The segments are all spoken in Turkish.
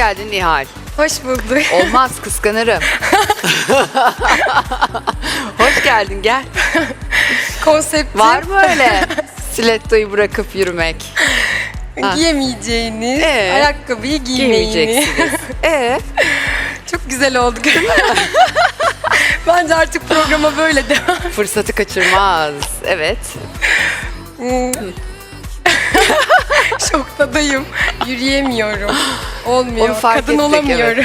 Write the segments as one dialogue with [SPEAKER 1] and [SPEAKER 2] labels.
[SPEAKER 1] geldin Nihal.
[SPEAKER 2] Hoş bulduk.
[SPEAKER 1] Olmaz, kıskanırım. Hoş geldin, gel.
[SPEAKER 2] Konsepti
[SPEAKER 1] Var mı öyle stilettoyu bırakıp yürümek?
[SPEAKER 2] giyemeyeceğiniz
[SPEAKER 1] Evet.
[SPEAKER 2] ayakkabıyı giymeyiniz.
[SPEAKER 1] Giymeyeceksiniz.
[SPEAKER 2] Çok güzel oldu. Bence artık programa böyle devam.
[SPEAKER 1] Fırsatı kaçırmaz. Evet.
[SPEAKER 2] Şoktadayım. Yürüyemiyorum. Olmuyor.
[SPEAKER 1] Onu fark
[SPEAKER 2] Kadın
[SPEAKER 1] ettik,
[SPEAKER 2] olamıyorum.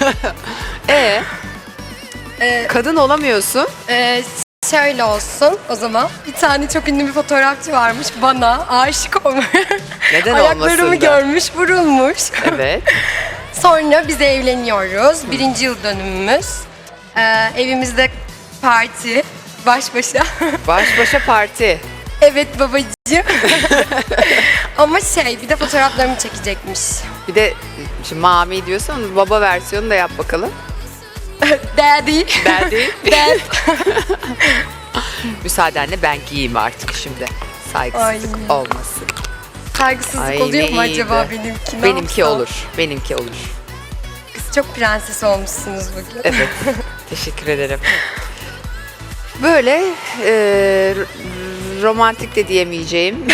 [SPEAKER 1] Kadın olamıyorsun.
[SPEAKER 2] Şöyle olsun o zaman. Bir tane çok ünlü bir fotoğrafçı varmış. Bana aşık olmuş.
[SPEAKER 1] Neden
[SPEAKER 2] Ayaklarımı
[SPEAKER 1] olmasın da?
[SPEAKER 2] görmüş, vurulmuş.
[SPEAKER 1] Evet.
[SPEAKER 2] Sonra biz evleniyoruz. 1. yıl dönümümüz. Evimizde parti. Baş başa.
[SPEAKER 1] Baş başa parti.
[SPEAKER 2] Evet babacığım. Ama bir de fotoğraflarımı çekecekmiş.
[SPEAKER 1] Bir de şimdi mami diyorsan baba versiyonu da yap bakalım.
[SPEAKER 2] Daddy.
[SPEAKER 1] Daddy.
[SPEAKER 2] Dad.
[SPEAKER 1] Müsaadenle ben giyeyim artık şimdi. Saygısızlık
[SPEAKER 2] Ay.
[SPEAKER 1] olmasın.
[SPEAKER 2] Saygısızlık
[SPEAKER 1] Ay,
[SPEAKER 2] oluyor
[SPEAKER 1] ne
[SPEAKER 2] mu acaba
[SPEAKER 1] iyiydi.
[SPEAKER 2] benimki? Ne
[SPEAKER 1] Benimki
[SPEAKER 2] yapsam?
[SPEAKER 1] olur. Benimki olur.
[SPEAKER 2] Siz çok prenses olmuşsunuz bugün.
[SPEAKER 1] Evet. Teşekkür ederim. Böyle romantik de diyemeyeceğim.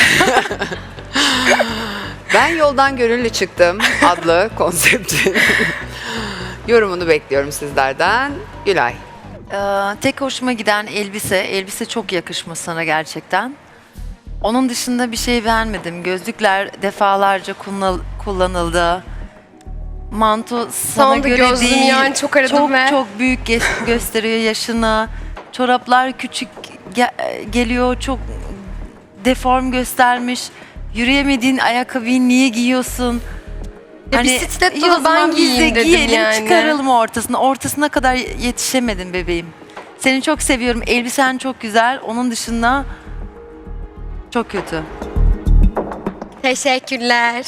[SPEAKER 1] Ben yoldan gönüllü çıktım adlı konseptin yorumunu bekliyorum sizlerden. Gülay.
[SPEAKER 3] Tek hoşuma giden elbise. Elbise çok yakışmış sana gerçekten. Onun dışında bir şey beğenmedim. Gözlükler defalarca kullanıldı. Manto sana
[SPEAKER 2] Sonunda
[SPEAKER 3] göre
[SPEAKER 2] gözlüğümü
[SPEAKER 3] değil.
[SPEAKER 2] yani çok aradım
[SPEAKER 3] çok,
[SPEAKER 2] ve-
[SPEAKER 3] çok büyük gösteriyor yaşını. Çoraplar küçük geliyor. Çok deform göstermiş. Yürüyemediğin ayakkabıyı niye giyiyorsun?
[SPEAKER 2] Ya bir stiletto
[SPEAKER 3] iyi o
[SPEAKER 2] da
[SPEAKER 3] zaman
[SPEAKER 2] ben
[SPEAKER 3] biz de
[SPEAKER 2] giyeyim dedim
[SPEAKER 3] giyelim,
[SPEAKER 2] yani.
[SPEAKER 3] çıkaralım ortasına. Ortasına kadar yetişemedin bebeğim. Seni çok seviyorum. Elbisen çok güzel. Onun dışında çok kötü.
[SPEAKER 2] Teşekkürler.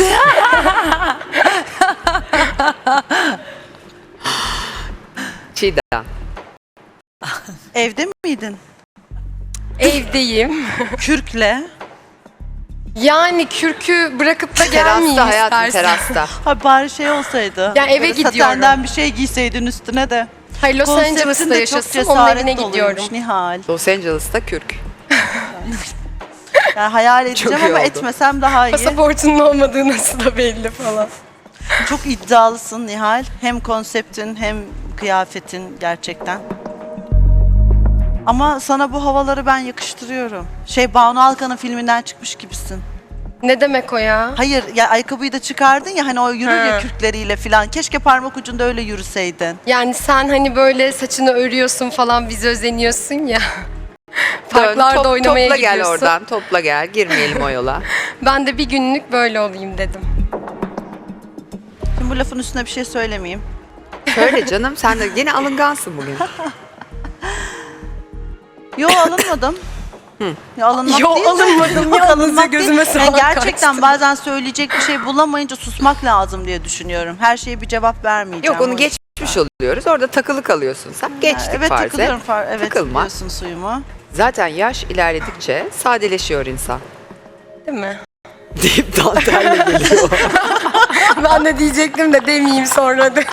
[SPEAKER 1] Çiğdem.
[SPEAKER 4] Evde miydin?
[SPEAKER 2] Evdeyim.
[SPEAKER 4] Kürkle.
[SPEAKER 2] Yani kürkü bırakıp da gelmeyeyim
[SPEAKER 1] Terasta hayatım,
[SPEAKER 2] istersen.
[SPEAKER 1] terasta.
[SPEAKER 4] Ha bari şey olsaydı.
[SPEAKER 2] Ya eve
[SPEAKER 4] böyle
[SPEAKER 2] gidiyorum.
[SPEAKER 4] Satenden bir şey giyseydin üstüne de.
[SPEAKER 2] Hayır Los
[SPEAKER 4] Konseptin
[SPEAKER 2] Angeles'ta
[SPEAKER 4] de çok
[SPEAKER 2] yaşasın, onun evine
[SPEAKER 4] cesaret
[SPEAKER 2] gidiyorum.
[SPEAKER 4] doluymuş Nihal.
[SPEAKER 1] Los Angeles'ta kürk.
[SPEAKER 4] Yani hayal edeceğim
[SPEAKER 1] iyi
[SPEAKER 4] ama
[SPEAKER 1] oldu.
[SPEAKER 4] etmesem daha iyi.
[SPEAKER 2] Pasaportunun olmadığı nasıl da belli falan.
[SPEAKER 4] Çok iddialısın Nihal. Hem konseptin hem kıyafetin gerçekten. Ama sana bu havaları ben yakıştırıyorum. Banu Alkan'ın filminden çıkmış gibisin.
[SPEAKER 2] Ne demek o ya?
[SPEAKER 4] Hayır ya ayakkabıyı da çıkardın ya hani o yürür ya
[SPEAKER 2] Ha.
[SPEAKER 4] kürkleriyle falan. Keşke parmak ucunda öyle yürüseydin.
[SPEAKER 2] Yani sen hani böyle saçını örüyorsun falan bizi özeniyorsun ya. Parklarda oynamaya
[SPEAKER 1] topla
[SPEAKER 2] gidiyorsun.
[SPEAKER 1] gel oradan, topla gel. Girmeyelim o yola.
[SPEAKER 2] Ben de bir günlük böyle olayım dedim.
[SPEAKER 4] Şimdi bu lafın üstüne bir şey söylemeyeyim.
[SPEAKER 1] Söyle canım, sen de yine alıngansın bugün.
[SPEAKER 4] Yo alınmadım. Ya alınmak
[SPEAKER 2] Yo,
[SPEAKER 4] değil de-
[SPEAKER 2] alınmadım.
[SPEAKER 4] Yok,
[SPEAKER 2] Yalnızca
[SPEAKER 4] alınmak değil.
[SPEAKER 2] gözüme soğan
[SPEAKER 4] gerçekten
[SPEAKER 2] kaçtı.
[SPEAKER 4] bazen söyleyecek bir şey bulamayınca susmak lazım diye düşünüyorum. Her şeye bir cevap vermeyeceğim.
[SPEAKER 1] Yok onu
[SPEAKER 4] O-
[SPEAKER 1] geçmiş oluyoruz. Orada takılı kalıyorsun sen. Geçtik
[SPEAKER 4] Evet
[SPEAKER 1] farz et.
[SPEAKER 4] takılıyorum. Evet
[SPEAKER 1] Takılma.
[SPEAKER 4] biliyorsun suyumu.
[SPEAKER 1] Zaten yaş ilerledikçe sadeleşiyor insan.
[SPEAKER 2] Değil mi?
[SPEAKER 1] Deyip dantelle geliyor.
[SPEAKER 2] Ben de diyecektim de demeyeyim sonra da.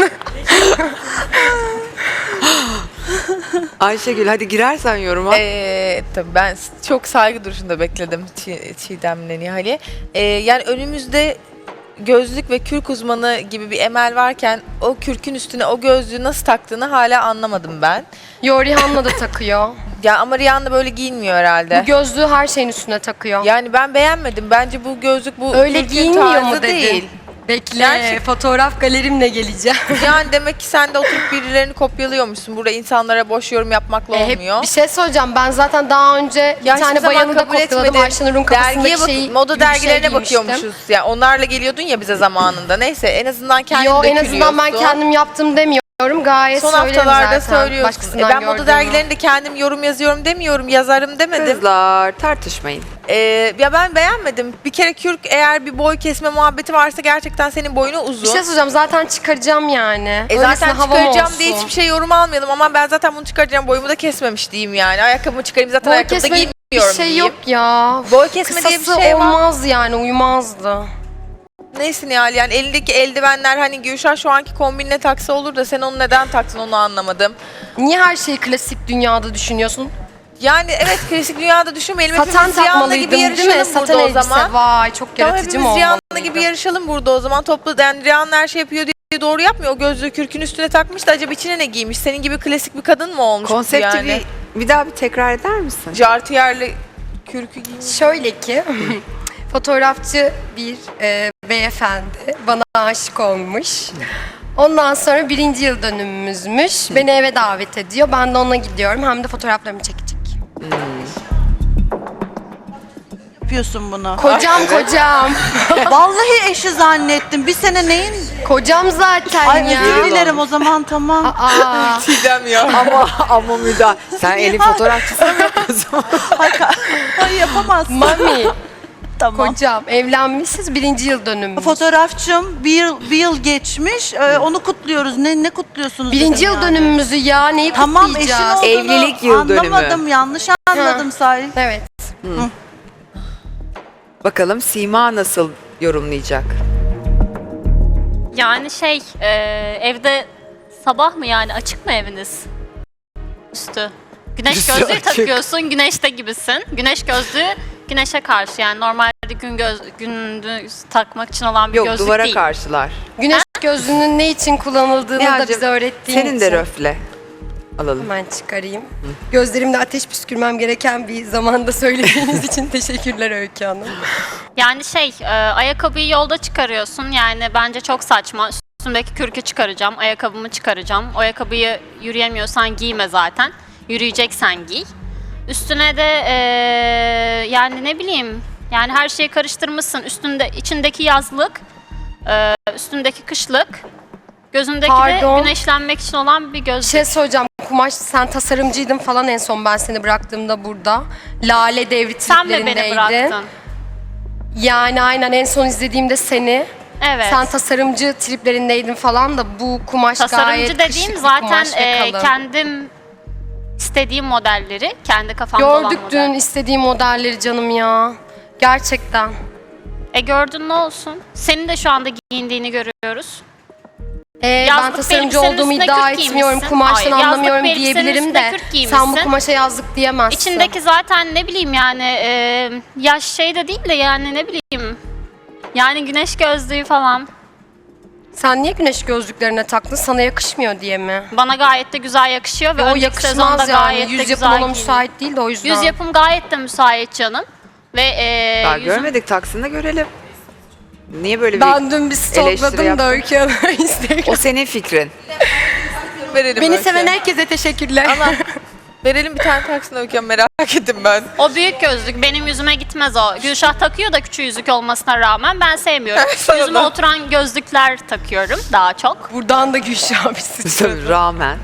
[SPEAKER 1] Ayşegül hadi girersen yoruma.
[SPEAKER 5] Tabii ben çok saygı duruşunda bekledim Çiğdem'le Nihal'i. Yani önümüzde gözlük ve kürk uzmanı gibi bir Emel varken o kürkün üstüne o gözlüğü nasıl taktığını hala anlamadım ben.
[SPEAKER 2] Yo Rihanna da takıyor.
[SPEAKER 5] Ya ama Rihanna böyle giyinmiyor herhalde.
[SPEAKER 2] Bu gözlüğü her şeyin üstüne takıyor.
[SPEAKER 5] Yani ben beğenmedim. Bence bu gözlük bu
[SPEAKER 2] Öyle
[SPEAKER 5] kürkün
[SPEAKER 2] giyinmiyor
[SPEAKER 5] tarzı
[SPEAKER 2] mu dedin?
[SPEAKER 5] değil.
[SPEAKER 2] Bekle,
[SPEAKER 5] Gerçek-
[SPEAKER 2] fotoğraf galerimle geleceğim.
[SPEAKER 5] Yani demek ki sen de oturup birilerini kopyalıyormuşsun. Burada insanlara boş yorum yapmakla
[SPEAKER 2] Hep
[SPEAKER 5] olmuyor.
[SPEAKER 2] bir şey söyleyeceğim. Ben zaten daha önce bir
[SPEAKER 5] Ya hiçbir
[SPEAKER 2] tane
[SPEAKER 5] zaman
[SPEAKER 2] bayanı da
[SPEAKER 5] kabul
[SPEAKER 2] kopyaladım.
[SPEAKER 5] etmedim.
[SPEAKER 2] Ayşenur'un kafasındaki
[SPEAKER 5] Dergiye
[SPEAKER 2] şeyi
[SPEAKER 5] moda
[SPEAKER 2] gibi bir şey
[SPEAKER 5] dergilerine
[SPEAKER 2] giymiştim.
[SPEAKER 5] bakıyormuşuz. Yani onlarla geliyordun ya bize zamanında. Neyse en azından kendin
[SPEAKER 2] Yo en azından ben
[SPEAKER 5] dökülüyorsun.
[SPEAKER 2] kendim yaptım demiyorum. Gayet
[SPEAKER 5] Son
[SPEAKER 2] söylerim
[SPEAKER 5] haftalarda
[SPEAKER 2] zaten.
[SPEAKER 5] söylüyorsun.
[SPEAKER 2] Başkasından
[SPEAKER 5] Ben moda
[SPEAKER 2] gördüğümü.
[SPEAKER 5] dergilerinde kendim yorum yazıyorum demiyorum, yazarım demedim.
[SPEAKER 1] Kızlar tartışmayın.
[SPEAKER 5] Ya ben beğenmedim. Bir kere kürk eğer bir boy kesme muhabbeti varsa gerçekten senin boyunu uzun.
[SPEAKER 2] Bir şey söyleyeceğim zaten çıkaracağım yani.
[SPEAKER 5] Zaten
[SPEAKER 2] Öylesine havam
[SPEAKER 5] çıkaracağım
[SPEAKER 2] olsun.
[SPEAKER 5] diye hiçbir şey yorum almayalım ama ben zaten bunu çıkaracağım boyumu da kesmemiş diyeyim yani. Ayakkabımı çıkarayım zaten
[SPEAKER 2] Boy
[SPEAKER 5] ayakkabı da
[SPEAKER 2] kesme
[SPEAKER 5] giymiyorum
[SPEAKER 2] bir şey
[SPEAKER 5] diyeyim.
[SPEAKER 2] yok ya.
[SPEAKER 5] Boy kesme diye bir
[SPEAKER 2] Kısası
[SPEAKER 5] şey var.
[SPEAKER 2] olmaz yani uymazdı.
[SPEAKER 5] Neyse Nihal, yani elindeki eldivenler hani Gülşah şu anki kombinle taksa olur da sen onu neden taktın onu anlamadım.
[SPEAKER 2] Niye her şeyi klasik dünyada düşünüyorsun?
[SPEAKER 5] Yani evet, klasik dünyada düşünmeyelim.
[SPEAKER 2] Saten
[SPEAKER 5] Hepimiz Rihanna
[SPEAKER 2] takmalıydım
[SPEAKER 5] gibi
[SPEAKER 2] değil mi?
[SPEAKER 5] yarışalım
[SPEAKER 2] Saten
[SPEAKER 5] burada o
[SPEAKER 2] elbise.
[SPEAKER 5] zaman.
[SPEAKER 2] Vay çok
[SPEAKER 5] Tamam,
[SPEAKER 2] yaratıcı mı
[SPEAKER 5] hepimiz Rihanna
[SPEAKER 2] olmalıydı?
[SPEAKER 5] gibi yarışalım burada o zaman. Toplu, yani Rihanna her şey yapıyor diye doğru yapmıyor. O gözlüğü kürkün üstüne takmış da acaba içine ne giymiş? Senin gibi klasik bir kadın mı olmuş bu
[SPEAKER 1] Konsepti
[SPEAKER 5] yani?
[SPEAKER 1] bir daha bir tekrar eder misin?
[SPEAKER 5] Jartiyerli kürkü giymiş.
[SPEAKER 2] Şöyle ki fotoğrafçı bir beyefendi bana aşık olmuş. Ondan sonra 1. yıl dönümümüzmüş. Beni eve davet ediyor. Ben de ona gidiyorum. Hem de fotoğraflarımı çekecek.
[SPEAKER 4] Yapıyorsun bunu.
[SPEAKER 2] Kocam.
[SPEAKER 4] Vallahi eşi zannettim. Bir sene neyin?
[SPEAKER 2] Kocam zaten
[SPEAKER 4] Ay
[SPEAKER 2] ya.
[SPEAKER 4] özür dilerim o zaman tamam.
[SPEAKER 2] Aa,
[SPEAKER 5] Çiğdem ya.
[SPEAKER 1] ama müdahale. Sen elin fotoğrafçısı mı yapıyorsun?
[SPEAKER 4] Ay yapamazsın.
[SPEAKER 2] mami.
[SPEAKER 4] Tamam.
[SPEAKER 2] Kocam evlenmişiz 1. yıl dönümümüz.
[SPEAKER 4] Fotoğrafçım bir yıl geçmiş. Onu kutluyoruz. Ne kutluyorsunuz?
[SPEAKER 2] 1.
[SPEAKER 4] dedim
[SPEAKER 2] yıl
[SPEAKER 4] yani.
[SPEAKER 2] dönümümüzü ya neyi
[SPEAKER 4] Tamam eşin
[SPEAKER 2] kutlayacağız?
[SPEAKER 4] olduğunu
[SPEAKER 1] Evlilik yıl dönümü.
[SPEAKER 4] anlamadım. Yanlış anladım Salih.
[SPEAKER 2] Evet.
[SPEAKER 1] Bakalım Sima nasıl yorumlayacak?
[SPEAKER 6] Yani evde sabah mı yani açık mı eviniz? Üstü. Güneş
[SPEAKER 1] Üstü
[SPEAKER 6] gözlüğü
[SPEAKER 1] açık.
[SPEAKER 6] takıyorsun, güneşte gibisin. Güneş gözlüğü güneşe karşı yani normalde gündüz takmak için olan bir
[SPEAKER 1] Yok,
[SPEAKER 6] gözlük
[SPEAKER 1] duvara
[SPEAKER 6] değil.
[SPEAKER 1] karşılar.
[SPEAKER 2] Güneş gözlüğünün ne için kullanıldığını da
[SPEAKER 1] Nihal'cim,
[SPEAKER 2] bize öğrettiğin
[SPEAKER 1] senin
[SPEAKER 2] için.
[SPEAKER 1] de röfle. Alalım.
[SPEAKER 2] Hemen çıkarayım. Gözlerimde ateş püskürmem gereken bir zamanda söylediğiniz için teşekkürler Öykü Hanım.
[SPEAKER 6] Yani ayakkabıyı yolda çıkarıyorsun yani bence çok saçma. Üstümdeki kürkü çıkaracağım, ayakkabımı çıkaracağım. O ayakkabıyı yürüyemiyorsan giyme zaten. Yürüyeceksen giy. Üstüne de yani ne bileyim yani her şeyi karıştırmışsın. İçindeki yazlık, üstündeki kışlık, gözündeki
[SPEAKER 2] Pardon.
[SPEAKER 6] de güneşlenmek için olan bir
[SPEAKER 2] Bir
[SPEAKER 6] gözlük.
[SPEAKER 2] şey söyleyeceğim. Kumaş sen tasarımcıydın falan en son ben seni bıraktığımda burada. Lale devri
[SPEAKER 6] Sen mi beni
[SPEAKER 2] triplerindeydin.
[SPEAKER 6] bıraktın?
[SPEAKER 2] Yani aynen en son izlediğimde seni.
[SPEAKER 6] Evet.
[SPEAKER 2] Sen tasarımcı triplerindeydin falan da bu kumaş gayet
[SPEAKER 6] Tasarımcı
[SPEAKER 2] kışlık
[SPEAKER 6] dediğim
[SPEAKER 2] bir
[SPEAKER 6] zaten
[SPEAKER 2] kumaş ve kalın.
[SPEAKER 6] kendim istediğim modelleri, kendi kafamda olan
[SPEAKER 2] Gördük
[SPEAKER 6] model.
[SPEAKER 2] dün istediğim modelleri canım ya. Gerçekten.
[SPEAKER 6] Gördün ne olsun? Senin de şu anda giyindiğini görüyoruz.
[SPEAKER 2] Ben
[SPEAKER 6] Yazlık
[SPEAKER 2] tasarımcı
[SPEAKER 6] elbisenin
[SPEAKER 2] olduğumu
[SPEAKER 6] üstüne
[SPEAKER 2] iddia
[SPEAKER 6] kürk
[SPEAKER 2] etmiyorum.
[SPEAKER 6] giymişsin.
[SPEAKER 2] Kumaştan
[SPEAKER 6] Hayır,
[SPEAKER 2] anlamıyorum
[SPEAKER 6] yazlık bir elbisenin
[SPEAKER 2] diyebilirim
[SPEAKER 6] üstüne
[SPEAKER 2] de
[SPEAKER 6] kürk
[SPEAKER 2] sen bu
[SPEAKER 6] giymişsin.
[SPEAKER 2] kumaşa yazlık diyemezsin.
[SPEAKER 6] İçindeki zaten ne bileyim yani yaş de değil de yani ne bileyim. Yani güneş gözlüğü falan.
[SPEAKER 2] Sen niye güneş gözlüklerine taktın? Sana yakışmıyor diye mi?
[SPEAKER 6] Bana gayet de güzel yakışıyor ve
[SPEAKER 2] O
[SPEAKER 6] önceki sezonda
[SPEAKER 2] yakışmaz yani.
[SPEAKER 6] gayet de
[SPEAKER 2] Yüz
[SPEAKER 6] güzel
[SPEAKER 2] yapım ona
[SPEAKER 6] giyindim.
[SPEAKER 2] müsait değil de o yüzden.
[SPEAKER 6] Yüz yapım gayet de müsait canım. Ve
[SPEAKER 1] Daha
[SPEAKER 6] yüzüm-
[SPEAKER 1] görmedik, taksını görelim. Niye böyle bir...
[SPEAKER 2] Ben dün bir
[SPEAKER 1] eleştiri
[SPEAKER 2] stokladım da
[SPEAKER 1] yaptın?
[SPEAKER 2] Öykü Hanım'a Instagram.
[SPEAKER 1] O senin fikrin.
[SPEAKER 5] Verelim
[SPEAKER 2] Beni
[SPEAKER 5] Öykü.
[SPEAKER 2] seven herkese teşekkürler.
[SPEAKER 5] Ama verelim bir tane taksini Öykü, merak ettim ben.
[SPEAKER 6] O büyük gözlük benim yüzüme gitmez o. Gülşah takıyor da küçük yüzük olmasına rağmen ben sevmiyorum.
[SPEAKER 5] Sana
[SPEAKER 6] Yüzüme
[SPEAKER 5] da.
[SPEAKER 6] oturan gözlükler takıyorum daha çok.
[SPEAKER 2] Buradan da Gülşah abi sıçradı.
[SPEAKER 1] Rağmen.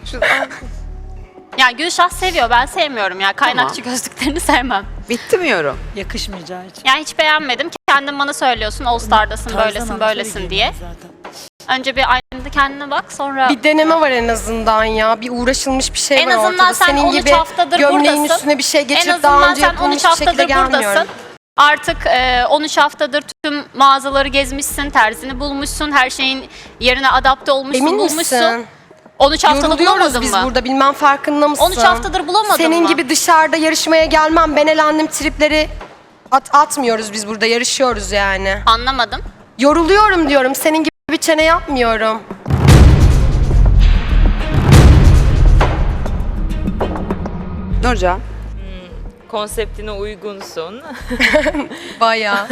[SPEAKER 6] Ya Gülşah seviyor ben sevmiyorum ya. Kaynakçı gözlüklerini sevmem.
[SPEAKER 1] Bitti mi yorum?
[SPEAKER 7] Yakışmayacağı için.
[SPEAKER 6] Yani hiç beğenmedim. Kendin bana söylüyorsun All Star'dasın
[SPEAKER 7] Tarzan
[SPEAKER 6] böylesin
[SPEAKER 7] ama
[SPEAKER 6] böylesin
[SPEAKER 7] şöyle
[SPEAKER 6] diye.
[SPEAKER 7] giyindim zaten.
[SPEAKER 6] Önce bir aynada kendine bak sonra...
[SPEAKER 2] Bir deneme var en azından ya. Bir uğraşılmış bir şey
[SPEAKER 6] En
[SPEAKER 2] var
[SPEAKER 6] azından
[SPEAKER 2] ortada.
[SPEAKER 6] sen
[SPEAKER 2] Senin
[SPEAKER 6] 13
[SPEAKER 2] gibi
[SPEAKER 6] haftadır
[SPEAKER 2] gömleğin
[SPEAKER 6] buradasın.
[SPEAKER 2] üstüne bir şey
[SPEAKER 6] En
[SPEAKER 2] geçirip daha
[SPEAKER 6] azından
[SPEAKER 2] önce
[SPEAKER 6] sen
[SPEAKER 2] yapılmış
[SPEAKER 6] 13
[SPEAKER 2] bir şekilde
[SPEAKER 6] haftadır
[SPEAKER 2] gelmiyorum.
[SPEAKER 6] buradasın. Artık 13 haftadır tüm mağazaları gezmişsin, terzini bulmuşsun, her şeyin yerine adapte olmuşsun,
[SPEAKER 2] Emin
[SPEAKER 6] bulmuşsun.
[SPEAKER 2] misin?
[SPEAKER 6] 13 haftada
[SPEAKER 2] Yoruluyoruz
[SPEAKER 6] bulamadın
[SPEAKER 2] biz
[SPEAKER 6] mı?
[SPEAKER 2] burada bilmem farkında mısın?
[SPEAKER 6] 13 haftadır bulamadın
[SPEAKER 2] Senin
[SPEAKER 6] mı?
[SPEAKER 2] gibi dışarıda yarışmaya gelmem. Ben elendim tripleri atmıyoruz biz burada yarışıyoruz yani.
[SPEAKER 6] Anlamadım.
[SPEAKER 2] Yoruluyorum diyorum. Senin gibi çene yapmıyorum.
[SPEAKER 1] Nurcan.
[SPEAKER 8] Konseptine uygunsun.
[SPEAKER 2] Bayağı.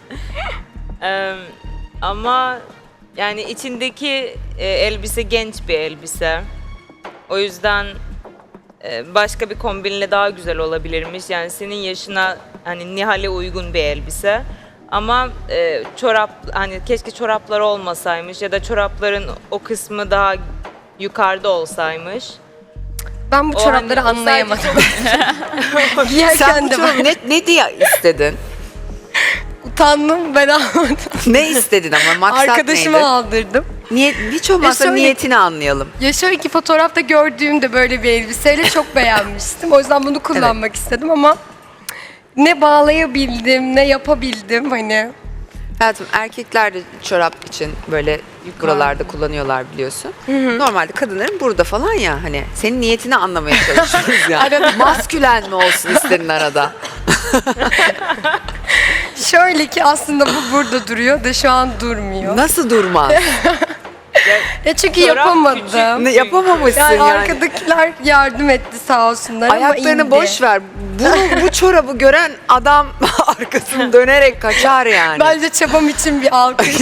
[SPEAKER 8] Ama yani içindeki elbise genç bir elbise. O yüzden başka bir kombinle daha güzel olabilirmiş. Yani senin yaşına hani Nihal'e uygun bir elbise. Ama çorap hani keşke çoraplar olmasaymış ya da çorapların o kısmı daha yukarıda olsaymış.
[SPEAKER 2] Ben bu
[SPEAKER 8] O
[SPEAKER 2] çorapları
[SPEAKER 8] hani o sadece
[SPEAKER 2] anlayamadım.
[SPEAKER 1] Sen
[SPEAKER 2] Giyerken
[SPEAKER 1] bu
[SPEAKER 2] de
[SPEAKER 1] çocuğu ne diye istedin?
[SPEAKER 2] utandım ben almadım.
[SPEAKER 1] Ne istedin ama maksat
[SPEAKER 2] Arkadaşıma
[SPEAKER 1] neydi?
[SPEAKER 2] aldırdım.
[SPEAKER 1] Hiç olmazsa
[SPEAKER 2] şöyle-
[SPEAKER 1] niyetini anlayalım.
[SPEAKER 2] Ya şöyle ki fotoğrafta gördüğümde böyle bir elbiseyle çok beğenmiştim. O yüzden bunu kullanmak istedim ama ne bağlayabildim ne yapabildim hani.
[SPEAKER 1] Hayatım erkekler de çorap için böyle buralarda kullanıyorlar biliyorsun. Normalde kadınların burada falan ya hani senin niyetini anlamaya çalışıyoruz ya. Maskülen mi olsun isterin arada?
[SPEAKER 2] Şöyle ki aslında bu burada duruyor da şu an durmuyor.
[SPEAKER 1] Nasıl durmaz?
[SPEAKER 2] Ya çünkü
[SPEAKER 8] Çorap
[SPEAKER 2] yapamadım.
[SPEAKER 1] Ne yapamamışsın
[SPEAKER 2] Yani
[SPEAKER 1] yani.
[SPEAKER 2] arkadakiler yardım etti sağ olsunlar ama
[SPEAKER 1] Ayaklarını
[SPEAKER 2] indi.
[SPEAKER 1] boş ver. Bu çorabı gören adam arkasını dönerek kaçar yani.
[SPEAKER 2] Bence çabam için bir alkış.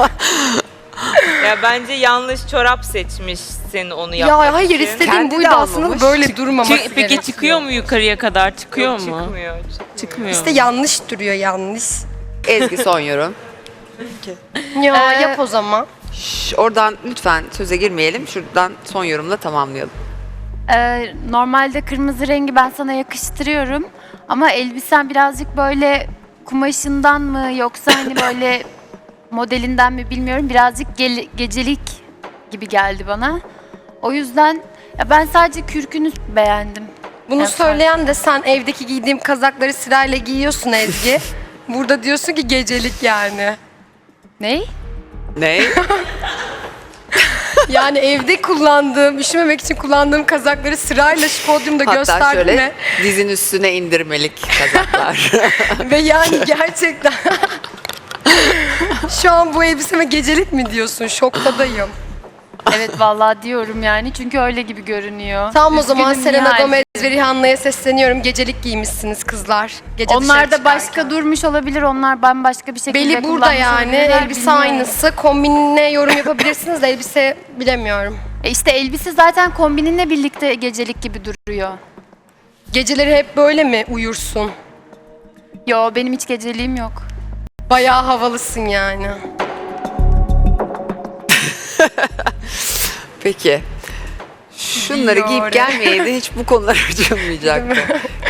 [SPEAKER 8] Ya bence yanlış çorap seçmişsin onu
[SPEAKER 2] Ya
[SPEAKER 8] yapmak
[SPEAKER 2] hayır
[SPEAKER 8] için.
[SPEAKER 2] istediğim
[SPEAKER 1] Kendi
[SPEAKER 2] buydu
[SPEAKER 1] de
[SPEAKER 2] aslında
[SPEAKER 1] almamış.
[SPEAKER 2] böyle durmaması
[SPEAKER 7] Peki
[SPEAKER 2] gerekiyor.
[SPEAKER 7] çıkıyor mu yukarıya kadar? Çıkıyor
[SPEAKER 8] Yok,
[SPEAKER 7] mu?
[SPEAKER 8] Çıkmıyor.
[SPEAKER 7] Çıkmıyor.
[SPEAKER 2] İşte yanlış duruyor yanlış.
[SPEAKER 1] Ezgi son yorum.
[SPEAKER 2] Ya yap o zaman.
[SPEAKER 1] Oradan lütfen söze girmeyelim. Şuradan son yorumla tamamlayalım.
[SPEAKER 9] Normalde kırmızı rengi ben sana yakıştırıyorum. Ama elbisen birazcık böyle kumaşından mı yoksa hani böyle modelinden mi bilmiyorum. Birazcık gecelik gibi geldi bana. O yüzden ya ben sadece kürkünü beğendim.
[SPEAKER 2] Bunu
[SPEAKER 9] Evet,
[SPEAKER 2] söyleyen de sen evdeki giydiğim kazakları sırayla giyiyorsun Ezgi. Burada diyorsun ki gecelik yani.
[SPEAKER 9] Ney?
[SPEAKER 1] Ne?
[SPEAKER 2] Yani evde kullandığım, üşümemek için kullandığım kazakları sırayla şu podyumda
[SPEAKER 1] Hatta
[SPEAKER 2] gösterdim
[SPEAKER 1] şöyle dizin üstüne indirmelik kazaklar.
[SPEAKER 2] ve yani gerçekten şu an bu elbiseme gecelik mi diyorsun? Şoktadayım.
[SPEAKER 9] Evet vallahi diyorum yani çünkü öyle gibi görünüyor.
[SPEAKER 2] Tamam o zaman
[SPEAKER 9] Üzgünüm
[SPEAKER 2] Selena
[SPEAKER 9] Nihal.
[SPEAKER 2] Gomez ve Rihanna'ya sesleniyorum. Gecelik giymişsiniz kızlar. Gece
[SPEAKER 9] Onlar
[SPEAKER 2] dışarı
[SPEAKER 9] da başka
[SPEAKER 2] çıkarken.
[SPEAKER 9] durmuş olabilir. Onlar bambaşka bir şekilde
[SPEAKER 2] Beli burada
[SPEAKER 9] kullanmış
[SPEAKER 2] yani.
[SPEAKER 9] olabilirler,
[SPEAKER 2] Elbise
[SPEAKER 9] bilmiyorum.
[SPEAKER 2] aynısı. Kombinine yorum yapabilirsiniz de elbise bilemiyorum.
[SPEAKER 9] İşte elbise zaten kombininle birlikte gecelik gibi duruyor.
[SPEAKER 2] Geceleri hep böyle mi uyursun?
[SPEAKER 9] Yo benim hiç geceliğim yok.
[SPEAKER 2] Bayağı havalısın yani.
[SPEAKER 1] Peki. Şunları giyip
[SPEAKER 2] Fiore.
[SPEAKER 1] gelmeyeydi hiç bu konular açılmayacaktı.